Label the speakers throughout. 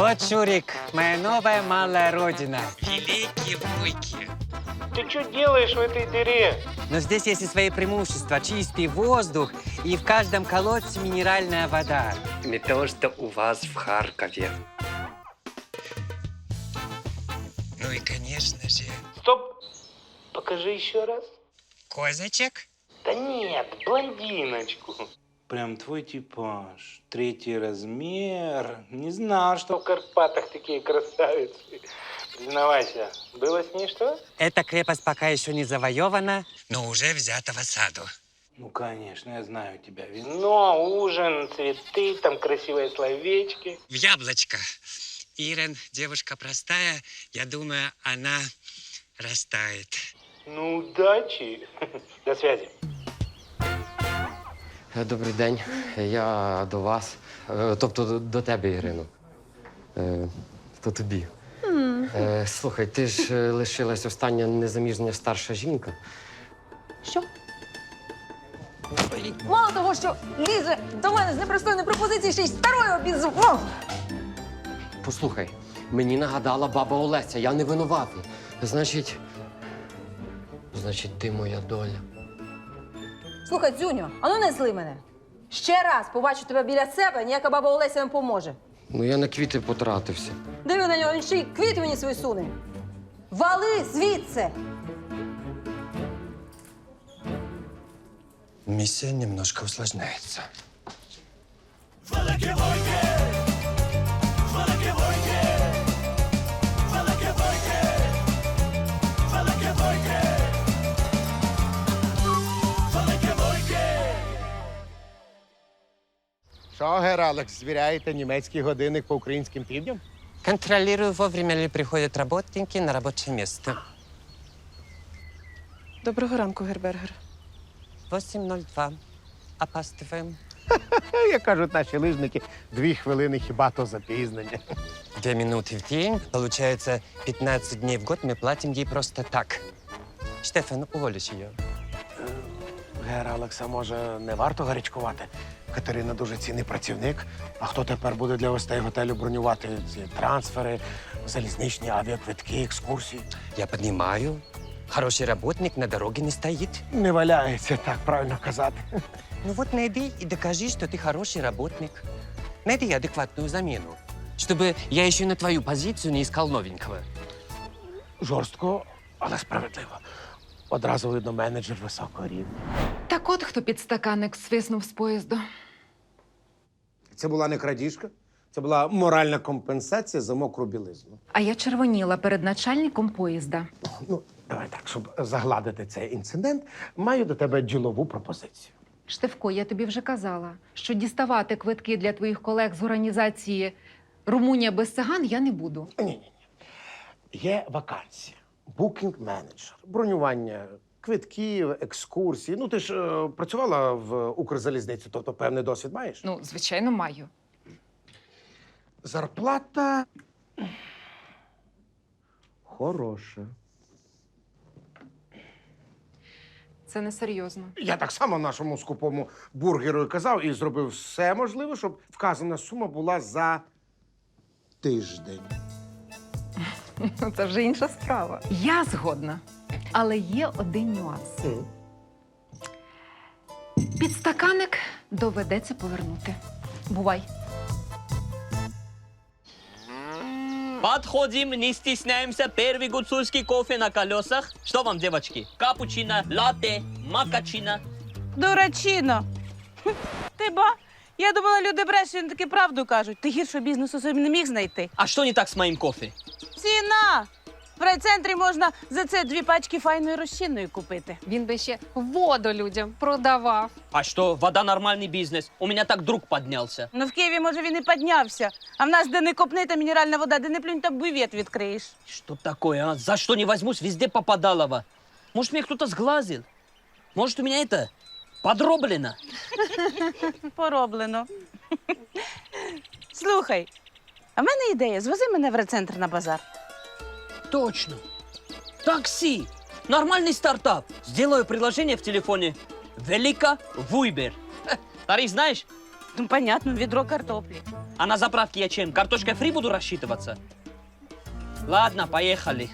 Speaker 1: Вот, Шурик, моя новая малая родина. Великие Вуйки.
Speaker 2: Ты что делаешь в этой дыре?
Speaker 1: Но здесь есть и свои преимущества. Чистый воздух и в каждом колодце минеральная вода. Не то, что у вас в Харькове. Ну и, конечно же,
Speaker 2: Стоп! Покажи еще раз.
Speaker 1: козачек.
Speaker 2: Да нет, блондиночку.
Speaker 3: Прям твой типаж. 3 размер. Не знал,
Speaker 2: Что
Speaker 3: что...
Speaker 2: в Карпатах такие красавицы. Признавайся, было с ней что?
Speaker 1: Эта крепость пока еще не завоевана, но уже взята в осаду.
Speaker 3: Ну, конечно, я знаю тебя, Вин.
Speaker 2: Но ужин, цветы, там красивые словечки.
Speaker 1: В яблочко. Ирен, девушка простая, я думаю, она растает.
Speaker 2: Ну, удачи. До связи.
Speaker 4: Добрий день. Я до вас. Тобто до тебе, Ірино. То тобі. Слухай, ти ж лишилась остання незаміжня старша жінка.
Speaker 5: Що? Мало того, що лізе до мене з непристойної пропозиції, ще й старою обізвав.
Speaker 4: Послухай, мені нагадала баба Олеся, я не винуватий. Значить, ти моя доля.
Speaker 5: Слухай, Дзюню, а ну не зли мене. Ще раз побачу тебе біля себе, ніяка баба Олеся не поможе.
Speaker 4: Ну, я на квіти потратився.
Speaker 5: Диви на нього, він ще й квіти мені свої суне. Вали звідси!
Speaker 1: Миссия немножко усложняется.
Speaker 6: Що, гер Алекс, звіряєте німецький годинник по українським півдням?
Speaker 1: Контролирую, вовремя ли приходят работники на рабочее место.
Speaker 7: Доброго ранку, Гербергер.
Speaker 1: 8:02. Опаздываем.
Speaker 6: Як кажуть наші лижники, 2 хвилини хіба то запізнення.
Speaker 1: 2 минуты в день. Получается, 15 дней в год мы платим ей просто так. Штефан, уволишь ее.
Speaker 6: Гер Алекса, може, не варто гарячкувати? Катерина дуже цінний працівник. А хто тепер буде для гостей готелю бронювати ці трансфери, залізничні авіаквитки, екскурсії?
Speaker 1: Я понимаю. Хороший работник на дороге не стоит.
Speaker 6: Не валяється, так правильно казати.
Speaker 1: Ну вот найди и докажи, что ты хороший работник. Найди адекватную замену, чтобы я еще на твою позицию не искал новенького.
Speaker 6: Жорстко, але справедливо. Одразу видно менеджер високого рівня.
Speaker 8: Так от хто підстаканник свиснув з поїзду.
Speaker 6: Це була не крадіжка, це була моральна компенсація за мокру білизну.
Speaker 8: А я червоніла перед начальником поїзда.
Speaker 6: Ну, давай так, щоб загладити цей інцидент, маю до тебе ділову пропозицію.
Speaker 8: Штефко, я тобі вже казала, що діставати квитки для твоїх колег з організації «Румунія без циган» я не буду.
Speaker 6: Ні. Є вакансія. Букінг-менеджер. Бронювання квитків, екскурсій. Ну, ти ж працювала в Укрзалізниці, тобто певний досвід маєш?
Speaker 8: Ну, звичайно, маю.
Speaker 6: Зарплата хороша.
Speaker 8: Це несерйозно.
Speaker 6: Я так само нашому скупому бургеру казав і зробив все можливе, щоб вказана сума була за тиждень.
Speaker 5: Це вже інша справа.
Speaker 8: Я згодна. Але є один нюанс. Підстаканник доведеться повернути. Бувай.
Speaker 9: Подходим, не стесняемся. Первый гуцульский кофе на колесах. Что вам, девочки? Капучино, латте, макачино.
Speaker 10: Дурачино. Ти ба? Я думала, люди брешуть, вони таки правду кажуть. Ти гіршого бізнесу собі не міг знайти.
Speaker 9: А что не так с моим кофе?
Speaker 10: Ціна! В райцентрі можна за це 2 пачки файної розчинної купити.
Speaker 8: Він би ще воду людям продавав.
Speaker 9: А что, вода нормальный бизнес? У меня так друг поднялся.
Speaker 10: Ну, в Києві, може, він і піднявся. А в нас, де не копни, та мінеральна вода, де не плюнь, та бювет відкриєш.
Speaker 9: Что такое, а? За что не возьмусь, везде попадалово. Может, меня кто-то сглазил? Может, у меня это подроблено?
Speaker 10: Пороблено. Слухай, а в мене ідея. Звози мене в райцентр на базар.
Speaker 9: Точно. Такси. Нормальный стартап. Сделаю приложение в телефоне. Велика Вуйбер. Тариф знаешь?
Speaker 10: Ну, понятно, відро картоплі.
Speaker 9: А на заправке я чем? Картошкой фри буду рассчитываться? Ладно, поехали.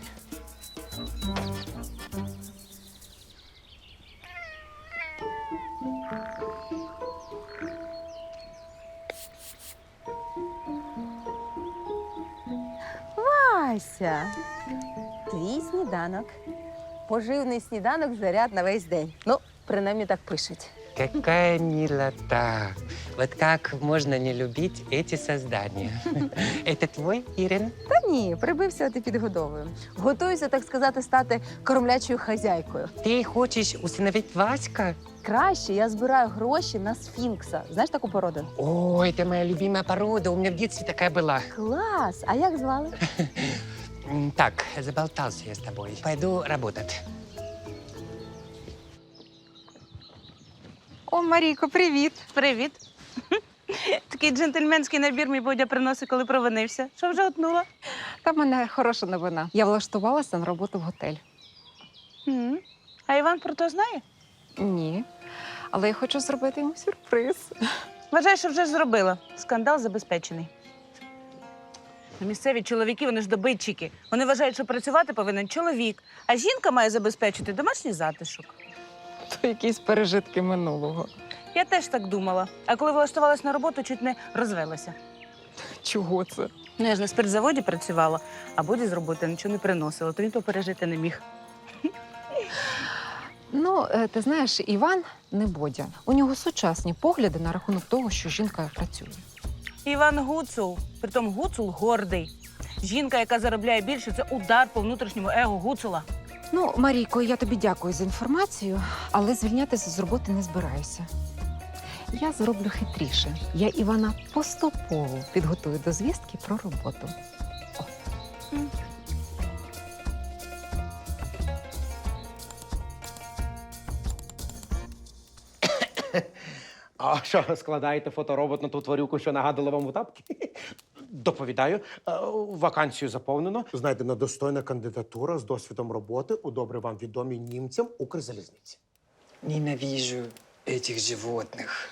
Speaker 5: Ася, твій сніданок. Поживний сніданок, заряд на весь день. Ну, принаймні так пишуть.
Speaker 1: Какая милота. Вот как можно не любить эти создания? Это твой, Ирин?
Speaker 5: Та ні, прибився, а ти підгодовую. Готуюся, так сказати, стати кормлячою хазяйкою.
Speaker 1: Ты хочешь усыновить Васька?
Speaker 5: Краще я збираю гроші на сфінкса. Знаєш таку породу?
Speaker 1: О, это моя любимая порода. У меня в детстве такая была.
Speaker 5: Клас! А як звали?
Speaker 1: Так, заболтался я с тобой. Пойду работать.
Speaker 8: О, Марійко, привіт.
Speaker 10: Привіт. Такий джентльменський набір мій Бодя приносить, коли провинився. Що вже утнула?
Speaker 8: Та в мене хороша новина. Я влаштувалася на роботу в готель.
Speaker 10: М. А Іван про то знає?
Speaker 8: Ні. Але я хочу зробити йому сюрприз.
Speaker 10: Вважаю, що вже зробила. Скандал забезпечений. Місцеві чоловіки, вони ж добитчики. Вони вважають, що працювати повинен чоловік, а жінка має забезпечити домашній затишок.
Speaker 8: То якісь пережитки минулого.
Speaker 10: Я теж так думала. А коли влаштувалась на роботу, чуть не розвелася.
Speaker 8: Чого це?
Speaker 10: Ну, я ж на спиртзаводі працювала, а Боді з роботи нічого не приносила, то він то пережити не міг.
Speaker 8: Ну, ти знаєш, Іван не Бодя. У нього сучасні погляди на рахунок того, що жінка працює.
Speaker 10: Іван Гуцул. Притом Гуцул гордий. Жінка, яка заробляє більше, це удар по внутрішньому его Гуцула.
Speaker 8: Ну, Марійко, я тобі дякую за інформацію, але звільнятися з роботи не збираюся. Я зроблю хитріше. Я Івана поступово підготую до звістки про роботу.
Speaker 6: А що, складаєте фоторобот на ту тварюку, що нагадала вам у тапки? Доповідаю, вакансію заповнено. Знайдена достойна кандидатура з досвідом роботи у добре вам відомій німцям Укрзалізниці.
Speaker 1: Ненавижу этих животных.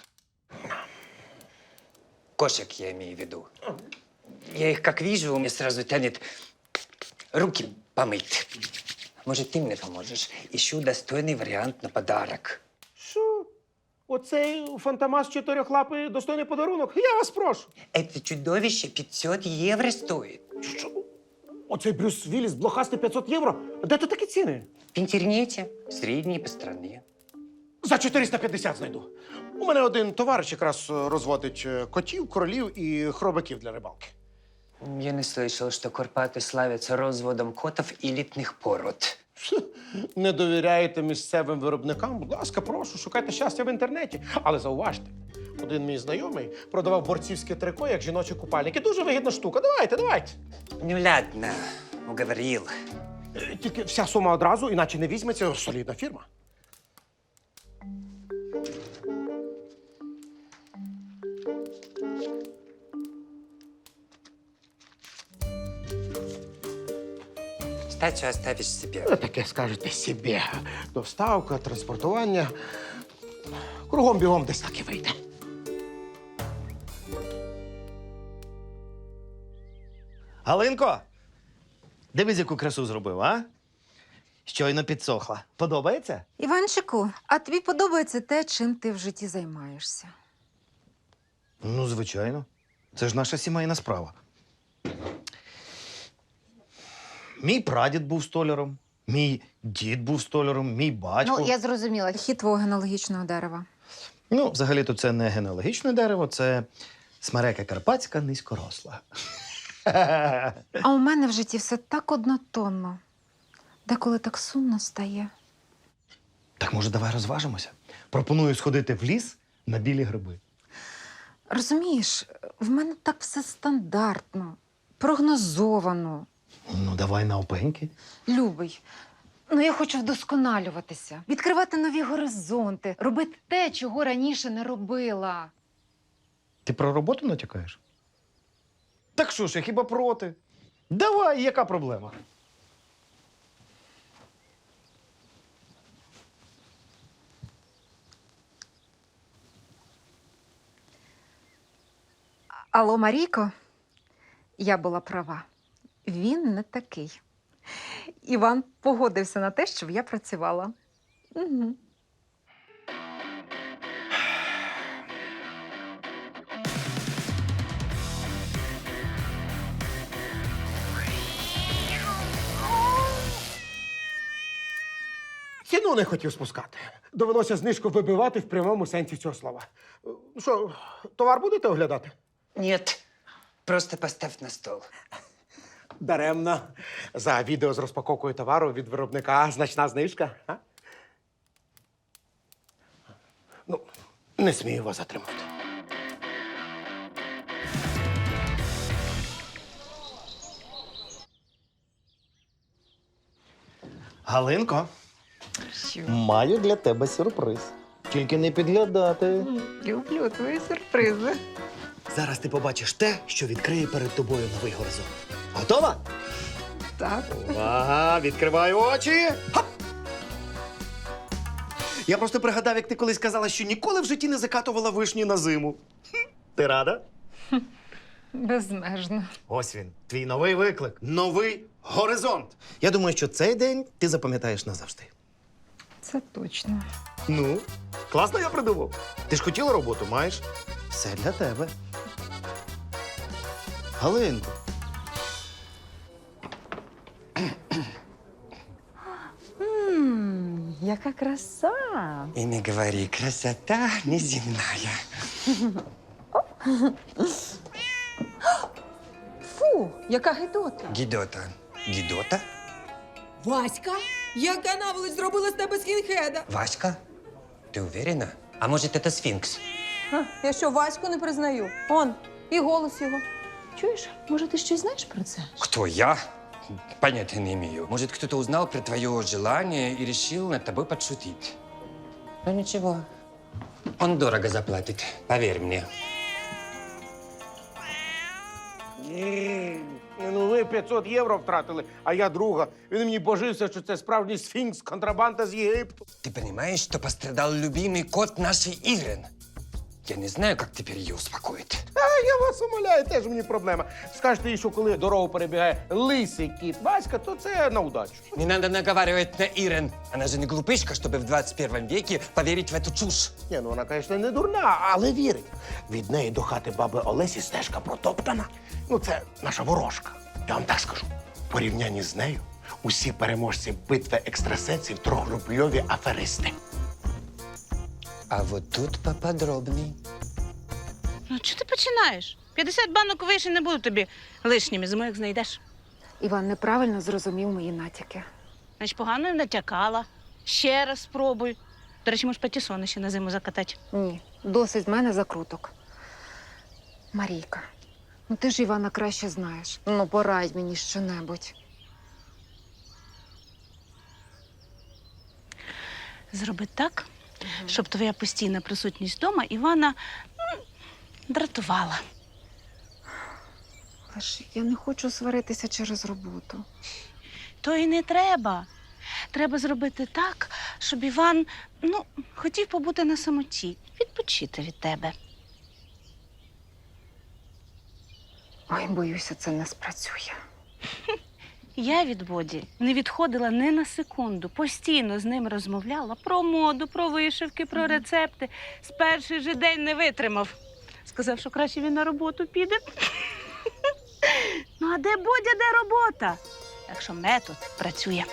Speaker 1: Кошек я имею в виду. Я их как вижу, мне сразу тянет руки помыть. Может, ты мне поможешь? Ищу достойный вариант на подарок.
Speaker 6: Що? Оцей фантомас чотирьохлапий достойний подарунок? Я вас прошу.
Speaker 1: Это чудовище 500 евро стоит.
Speaker 6: Що? Оцей Брюс Вілліс блохастий 500 євро? Де тут такі ціни?
Speaker 1: В интернете, средние по стране.
Speaker 6: За 450 знайду. У мене один товариш якраз розводить котів, королів і хробаків для рибалки.
Speaker 1: Я не слышал, что Карпаты славятся разводом котов элитных пород.
Speaker 6: Не довіряєте місцевим виробникам? Будь ласка, прошу, шукайте щастя в інтернеті. Але зауважте, один мій знайомий продавав борцівське трико як жіночі купальники. Дуже вигідна штука. Давайте.
Speaker 1: Ну ладно, уговорил.
Speaker 6: Тільки вся сума одразу, іначе не візьметься солідна фірма.
Speaker 1: Стачу оставишь себе.
Speaker 6: Таке скажете собі. Доставка, транспортування. Кругом бігом десь так і вийде.
Speaker 7: Галинко, дивись, яку красу зробив, а? Щойно підсохла. Подобається?
Speaker 8: Іванчику, а тобі подобається те, чим ти в житті займаєшся?
Speaker 7: Ну, звичайно. Це ж наша сімейна справа. Мій прадід був столяром, мій дід був столяром, мій батько.
Speaker 8: Ну, я зрозуміла. Хід твого генеалогічного дерева.
Speaker 7: Ну, взагалі-то це не генеалогічне дерево, це смерека карпатська низькоросла.
Speaker 8: А у мене в житті все так однотонно. Деколи так сумно стає.
Speaker 7: Так, може, давай розважимося? Пропоную сходити в ліс на білі гриби.
Speaker 8: Розумієш, в мене так все стандартно, прогнозовано.
Speaker 7: Ну, давай навпеньки.
Speaker 8: Любий, ну я хочу вдосконалюватися, відкривати нові горизонти, робити те, чого раніше не робила.
Speaker 7: Ти про роботу натякаєш? Так що ж, я хіба проти? Давай, яка проблема?
Speaker 8: Алло, Марійко, я була права. Він не такий. Іван погодився на те, щоб я працювала. Угу.
Speaker 6: Ціну не хотів спускати. Довелося знижку вибивати в прямому сенсі цього слова. Що, товар будете оглядати?
Speaker 1: Нет, просто поставь на стол.
Speaker 6: Даремно. За відео з розпаковкою товару від виробника значна знижка. А? Ну, не смію вас затримати.
Speaker 7: Галинко,
Speaker 8: Що?
Speaker 7: маю для тебе сюрприз. Тільки не підглядати.
Speaker 8: Люблю твої сюрпризи.
Speaker 7: Зараз ти побачиш те, що відкриє перед тобою новий горизонт. Готова?
Speaker 8: Так.
Speaker 7: Увага, відкривай очі. Хоп! Я просто пригадав, як ти колись казала, що ніколи в житті не закатувала вишні на зиму. Ти рада?
Speaker 8: Безмежно.
Speaker 7: Ось він, твій новий виклик, новий горизонт. Я думаю, що цей день ти запам'ятаєш назавжди.
Speaker 8: Це точно.
Speaker 7: Ну, класно я придумав. Ти ж хотіла роботу, маєш? Все для тебе. Галинко.
Speaker 8: Яка краса!
Speaker 1: И не говори, красота неземная.
Speaker 5: Фу, яка гидота.
Speaker 1: Гідота. Гідота?
Speaker 5: Васька, яка наволоч зробила з тебе скінхеда?
Speaker 1: Васька? Ти уверена? А може, це сфінкс?
Speaker 5: Я що, Ваську не признаю? Он, і голос його. Чуєш, може, ти щось знаєш про це?
Speaker 1: Кто, я? Понятия не имею. Может, кто-то узнал про твое желание и решил над тобой подшутить. Ну ничего, он дорого заплатит, поверь мне.
Speaker 6: Ну, ви 500 євро втратили, а я друга. Він мені божився, що це справжній сфінкс, контрабанда з Єгипту.
Speaker 1: Ты понимаешь, что пострадал любимый кот нашей Ирен? Я не знаю, как теперь ее успокоить.
Speaker 6: А я вас умоляю, теж мені проблема. Скажете їй, що коли дорогу перебігає лисий кіт Васька, то це на удачу.
Speaker 1: Не надо наговаривать на Ирен. Она же не глупышка, чтобы в 21 веке поверить в эту чушь.
Speaker 6: Ні, ну вона, звісно, не дурна, але вірить. Від неї до хати баби Олесі стежка протоптана. Ну, це наша ворожка. Я вам так скажу. В порівнянні з нею усі переможці битви екстрасенсів трьохрубльові аферисти.
Speaker 1: А вот тут поподробней.
Speaker 10: Ну, чого ти починаєш? 50 банок вишень не будуть тобі лишніми, зимою як знайдеш.
Speaker 8: Іван неправильно зрозумів мої натяки.
Speaker 10: Значить, погано їм натякала. Ще раз спробуй. До речі, можеш патісони ще на зиму закатати.
Speaker 8: Ні, досить з мене закруток. Марійка, ну ти ж Івана краще знаєш. Ну, порадь мені щонебудь.
Speaker 10: Зроби так, щоб твоя постійна присутність вдома Івана дратувала.
Speaker 8: Але ж я не хочу сваритися через роботу.
Speaker 10: То і не треба. Треба зробити так, щоб Іван, хотів побути на самоті, відпочити від тебе.
Speaker 8: Ой, боюся, це не спрацює.
Speaker 10: Я від Боді не відходила ні на секунду. Постійно з ним розмовляла про моду, про вишивки, про рецепти. З перший же день не витримав. Сказав, що краще він на роботу піде. Ну, а де Бодя, де робота? Так що метод працює.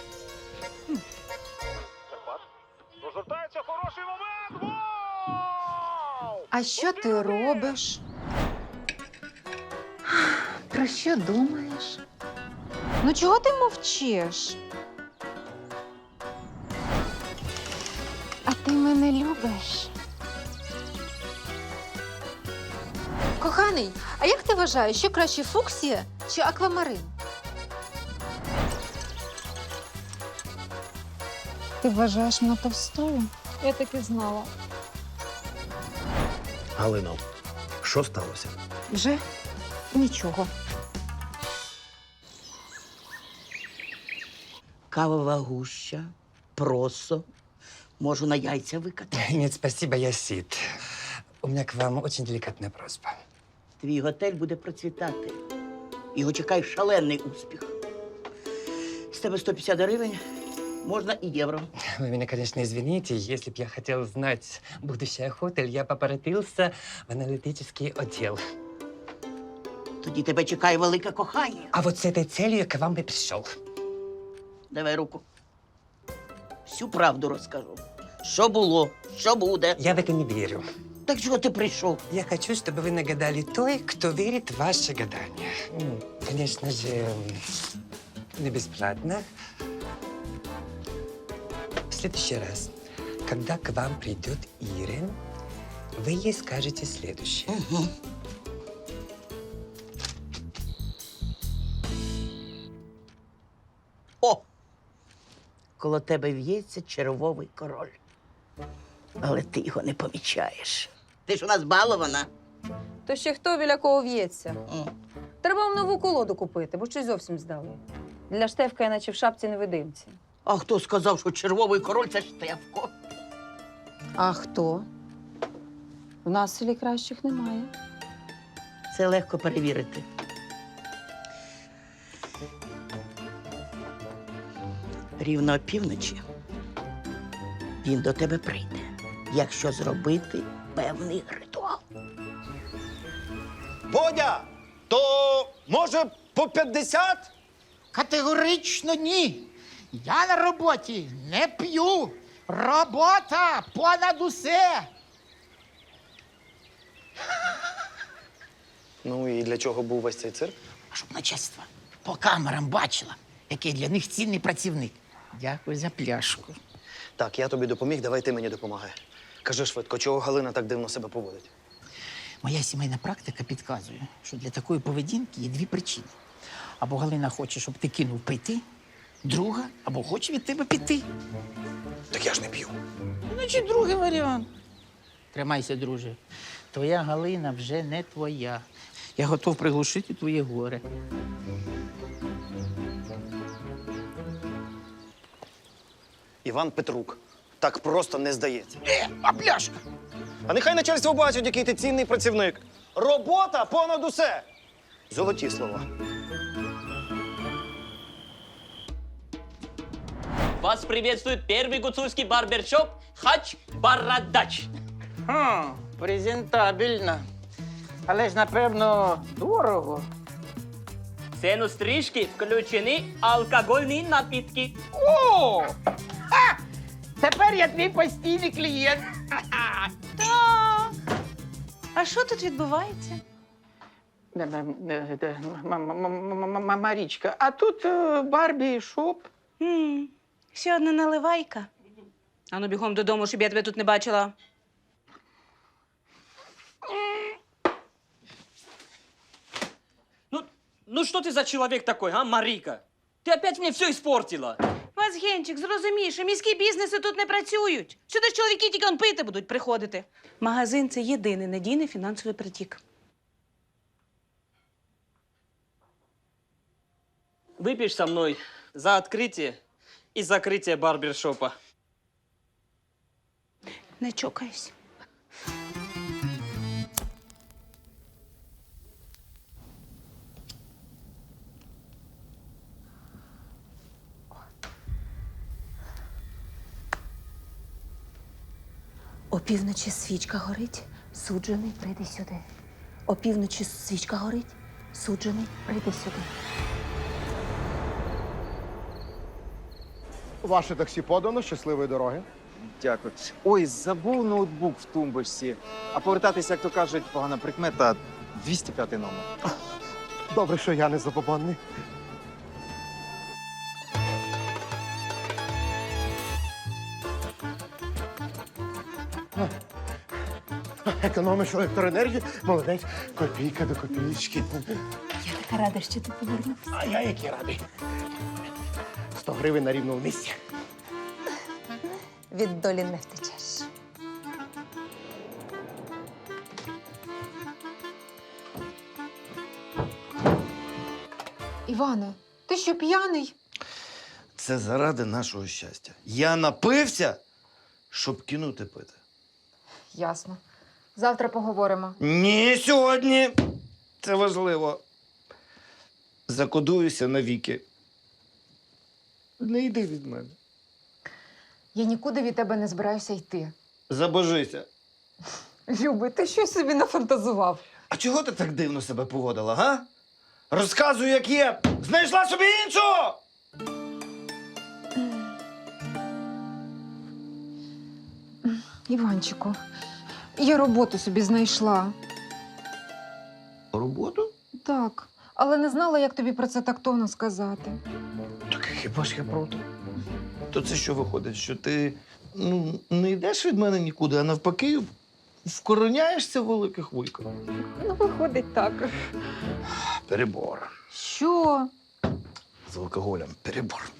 Speaker 6: Розгортається хороший момент! Вау!
Speaker 8: А що ти робиш? Про що думаєш? Ну чого ти мовчиш? А ти мене любиш?
Speaker 5: Коханий, а як ти вважаєш, що краще фуксія чи аквамарин?
Speaker 8: Ти вважаєш мене товстою?
Speaker 5: Я так і знала.
Speaker 7: Галино, що сталося?
Speaker 8: Вже нічого.
Speaker 11: Кавова гуща, просо. Можу на яйця викатати.
Speaker 1: Нет, спасибо, я сит. У меня к вам очень деликатная просьба.
Speaker 11: твій готель буде процвітати. Його чекає шалений успіх. З тебе 150 гривень, можна і євро.
Speaker 1: Вы меня, конечно, извините, если б я хотел знать будущее хотель, я попоротился в аналитический отдел.
Speaker 11: Тоді тебе чекає велике кохання.
Speaker 1: А вот с этой целью я к вам и пришел.
Speaker 11: Давай руку. Всю правду розкажу. Що було, що буде.
Speaker 1: Я в это не верю.
Speaker 11: Так чого ти прийшов?
Speaker 1: Я хочу, чтобы вы нагадали той, кто верит в ваши гадания. Конечно же, не бесплатно. В следующий раз, когда к вам придет Ирен, вы ей скажете следующее.
Speaker 11: Угу. О! Коло тебе в'ється червовий король. Але ти його не помічаєш. Ти ж у нас балована.
Speaker 5: То ще хто біля кого в'ється?
Speaker 11: М.
Speaker 5: Треба вам нову колоду купити, бо щось зовсім здали. Для Штефка я наче в шапці невидимці.
Speaker 11: А хто сказав, що червовий король це Штефко?
Speaker 5: А хто? В нас в селі кращих немає.
Speaker 11: Це легко перевірити. Рівно опівночі він до тебе прийде, якщо зробити певний ритуал.
Speaker 7: Бодя, то може по 50?
Speaker 6: Категорично ні. Я на роботі не п'ю. Робота понад усе.
Speaker 12: Ну і для чого був весь цей цирк?
Speaker 6: Щоб начальство по камерам бачило, який для них цінний працівник. Дякую за пляшку.
Speaker 12: Так, я тобі допоміг, давай ти мені допомагай. Кажи швидко, чого Галина так дивно себе поводить?
Speaker 6: Моя сімейна практика підказує, що для такої поведінки є дві причини. Або Галина хоче, щоб ти кинув пити, друга, або хоче від тебе піти.
Speaker 12: Так я ж не п'ю.
Speaker 6: Значить, другий варіант. Тримайся, друже. Твоя Галина вже не твоя. Я готов приглушити твоє горе.
Speaker 12: Іван Петрук. Так просто не здається.
Speaker 6: А пляшка?
Speaker 12: А нехай начальство бачить, який ти цінний працівник. Робота понад усе. Золоті слова.
Speaker 9: Вас приветствует первый гуцульский барбершоп Хач Бородач.
Speaker 6: Презентабельно. Але ж, напевно, дорого.
Speaker 9: В цену стрижки включены алкогольные напитки.
Speaker 6: О! Тепер я твій постійний клієнт.
Speaker 10: Так. А що тут відбувається?
Speaker 6: Марічка, а тут Барбі шоп.
Speaker 10: Ще одна наливайка. Ану, бігом додому, щоб я тебе тут не бачила.
Speaker 9: Ну что ты за человек такой, а, Марика? Ты опять мне все испортила.
Speaker 10: Вазгенчик, зрозумій, що міські бізнеси тут не працюють. Сюди ж чоловіки тільки он пити будуть приходити. Магазин – це єдиний надійний фінансовий притік.
Speaker 9: Выпьешь со мной за открытие и закрытие барбершопа.
Speaker 10: Не чокайся.
Speaker 5: Опівночі свічка горить, суджений, прийди сюди. Опівночі свічка горить, суджений, прийди сюди.
Speaker 6: Ваше таксі подано, щасливої дороги.
Speaker 13: Дякую. Ой, забув ноутбук в тумбочці. А повертатися, як то кажуть, погана прикмета 205 номер.
Speaker 6: Добре, що я не забобонний. Економиш електроенергію, молодець, копійка до копійки.
Speaker 5: Я така рада, що ти повернувся.
Speaker 6: А я який радий. 100 гривень на рівному місці.
Speaker 5: Від долі не втечеш.
Speaker 8: Іване, ти що, п'яний?
Speaker 14: Це заради нашого щастя. Я напився, щоб кинути пити.
Speaker 8: Ясно. Завтра поговоримо.
Speaker 14: Ні, сьогодні. Це важливо. Закодуюся навіки. Не йди від мене.
Speaker 8: Я нікуди від тебе не збираюся йти.
Speaker 14: Забожися.
Speaker 8: Любий, ти щось собі нафантазував.
Speaker 14: А чого ти так дивно себе поводила, га? Розказуй, як є. Знайшла собі іншого!
Speaker 8: Іванчику, я роботу собі знайшла.
Speaker 14: Роботу?
Speaker 8: Так, але не знала, як тобі про це тактовно сказати.
Speaker 14: Так хіба ж я проти? То це що виходить, що ти не йдеш від мене нікуди, а навпаки вкороняєшся в великих вуйках?
Speaker 8: Ну, виходить так.
Speaker 14: Перебор.
Speaker 8: Що?
Speaker 14: З алкоголем перебор.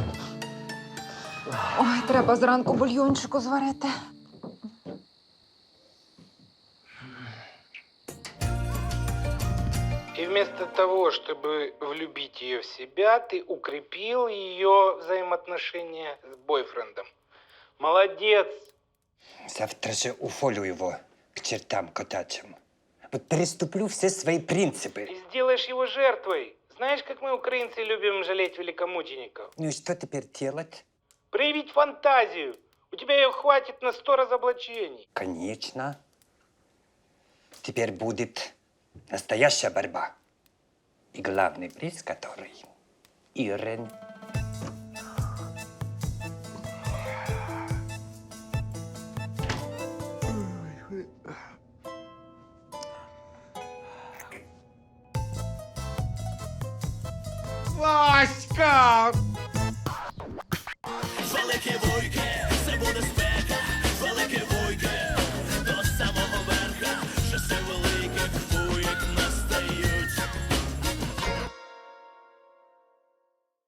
Speaker 8: Ой, треба зранку бульйончику зварити.
Speaker 2: И вместо того, чтобы влюбить ее в себя, ты укрепил ее взаимоотношения с бойфрендом. Молодец!
Speaker 1: Завтра же уволю его к чертам котячим. Вот переступлю все свои принципы.
Speaker 2: И сделаешь его жертвой. Знаешь, как мы, украинцы, любим жалеть великомучеников?
Speaker 1: Ну и что теперь делать?
Speaker 2: Проявить фантазию. У тебя ее хватит на 100 разоблачений.
Speaker 1: Конечно. Теперь будет настоящая борьба. И главный приз, который Ирен